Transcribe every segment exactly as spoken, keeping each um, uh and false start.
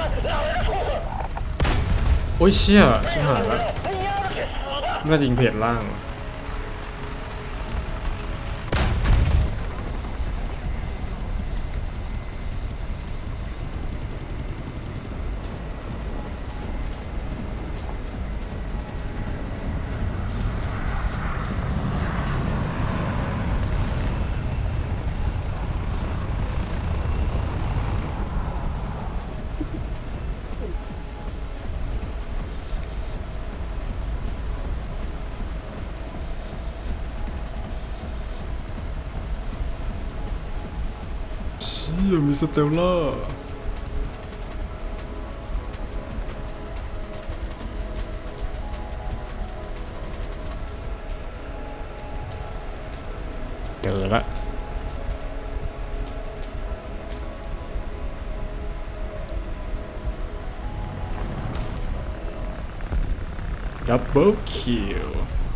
โอ้ยเชี่ยชิบหายแล้วน่ายิงเพจล่างเชี่ยมีสเตลล่าเจอละดับเบิลคิว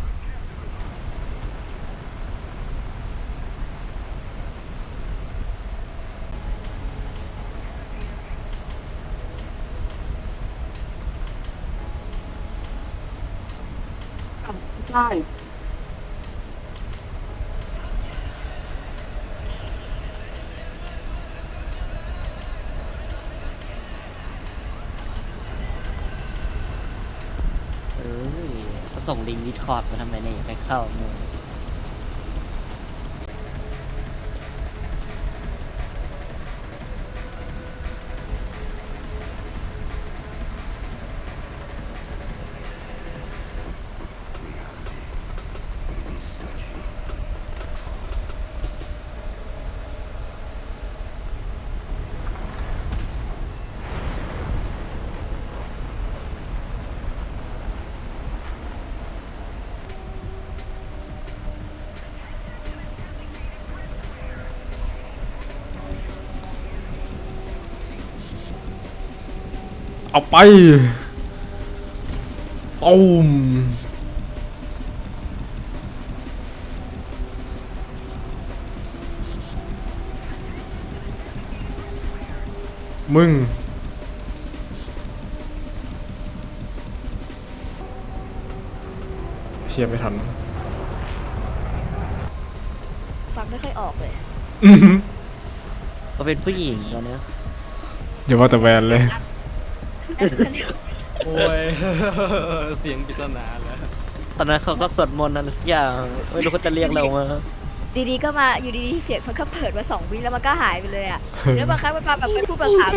ใช่เออเขาส่งลิงก์ดิสคอร์ดมาทำไมเนี่ยไปเข้ามือเอาไปตูมมึงเชียร์ไม่ทันฟังไม่ค่อยออกเลยอือหือเขาเป็นผู้หญิงตอนเนี้ยอย่าว่าแต่แวนเลยโอ้ย เสียงปริศนาแล้วตอนนั้นเขาก็สวดมนต์อะไรสักอย่างไม่รู้เขาจะเรียกเรามาดีๆก็มาอยู่ดีๆเสียงมันก็เปิดมาสองวิแล้วมันก็หายไปเลยอ่ะแล้วบางครั้งมันมาแบบเป็นผู้ประสาน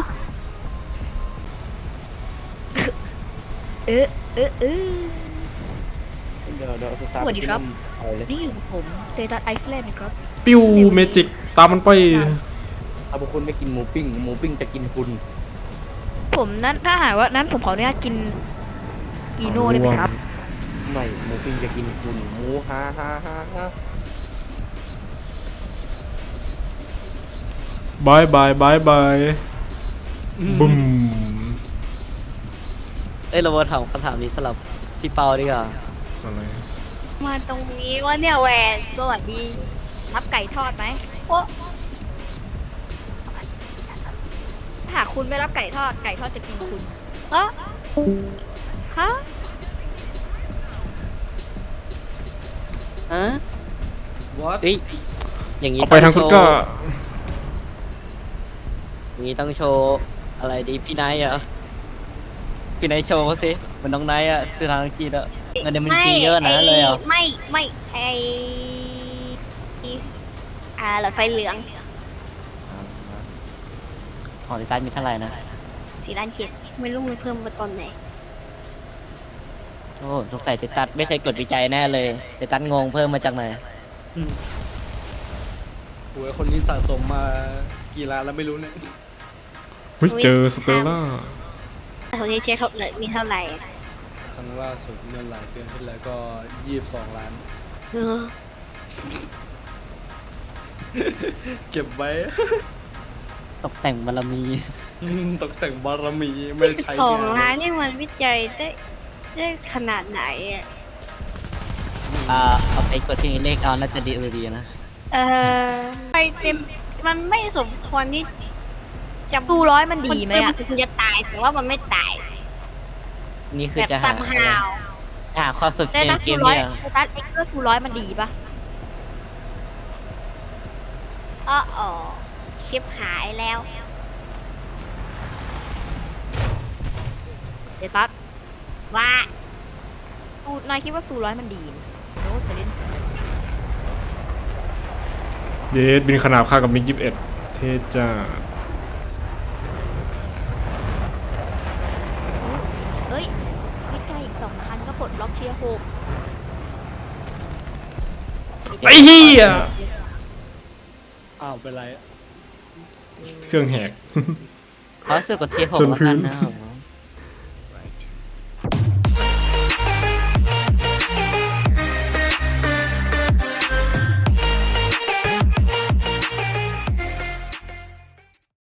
เออเออเออเดี๋ยวเดี๋ยวสวัสดีครับเอาเลยนี่อยู่กับผมเตตัสไอซ์แลนด์นะครับปิ้วเมจิกตามมันไปถ้าพวกคุณไม่กินหมูปิ้งหมูปิ้งจะกินคุณผมนั้นถ้าหากว่านั้นผมขออนุญาตกินอีโน่ได้ไหมครับไม่หมูปิ้งจะกินคุณหมูฮ่าฮ่าฮ่าฮ่าบายบายบายบายบึมเอ้ยเรามาถามคำถามนี้สำหรับพี่เปาดีกว่าอะไรมาตรงนี้ว่าเนี่ยแหวนสวัสดีรับไก่ทอดไหมโอ้ถ้าหากคุณไม่รับไก่ทอดไก่ทอดจะกินคุณเออฮะฮะวัดเฮ้ยอย่างนี้เอาไปทางคุณโชว์ก็อย่างนี้ต้องโชว์อะไรดีพี่ไนท์เหรอพี่ไนท์โชว์เขาสิเหมันน้องไนท์อะซื้อทางอังกฤษอะเงินในบัญชีเยอะนะเลยเหรอไม่ไม่ไออ่าหลอดไฟเหลืองของติดตั้งมีเท่าไหร่นะสี่ล้านเจ็ดไม่รู้มันเพิ่มมาตอนไหนโอ้สงสัยติดตั้งไม่เคยกดวิจัยแน่เลยติดตั้งงงเพิ่มมาจากไหนโอ้ยคนนี้สะสมมากี่ล้านแล้วไม่รู้เนี่ยเฮ้ยเจอสเตลล่าตอนนี้เช็คเท่าไหร่มีเท่าไหร่ครั้งล่าสุดเมื่อหลายเดือนที่แล้วก็ยี่สิบสองล้านเออเก็บไว้ตกแต่งบารมีตกแต่งบารมีไม่ได้ใช้สองงานล้านนี่มันวิจัยได้ได้ขนาดไหนอ่ะอ่าเอาไปกดที่เลขเอาน่าจะดีดีนะเออไปเต็มมันไม่สมควรที่จำตู้ร้อยมันดีไหมอ่ะมันจะตายแต่ว่ามันไม่ตายนี่คือแบบจะซัหาม อะไรฮาวหาความสุขเต้เกมตัสเกซูมร้อยเนี่ยเต้ตัสเอ็กซ์เตอร์ซูร้อยมันดีปะอ้ออ๋อชิปหายแล้วเต้ตัสว่าตูนายคิดว่าซูร้อยมันดีไหมโน้ตไปเล่นเยสบินขนาบค่ากับมิกยี่สิบเอ็ดเทจ้าเฮ้ยไม่ไกลอีกสองคันก็ปลดล็อกเทียร์หกไอ้เหี้ยอ้าวเป็นไรเครื่องแหกขอสุดกว่าเทียร์หกชนแล้วพื้กัน นนะครับ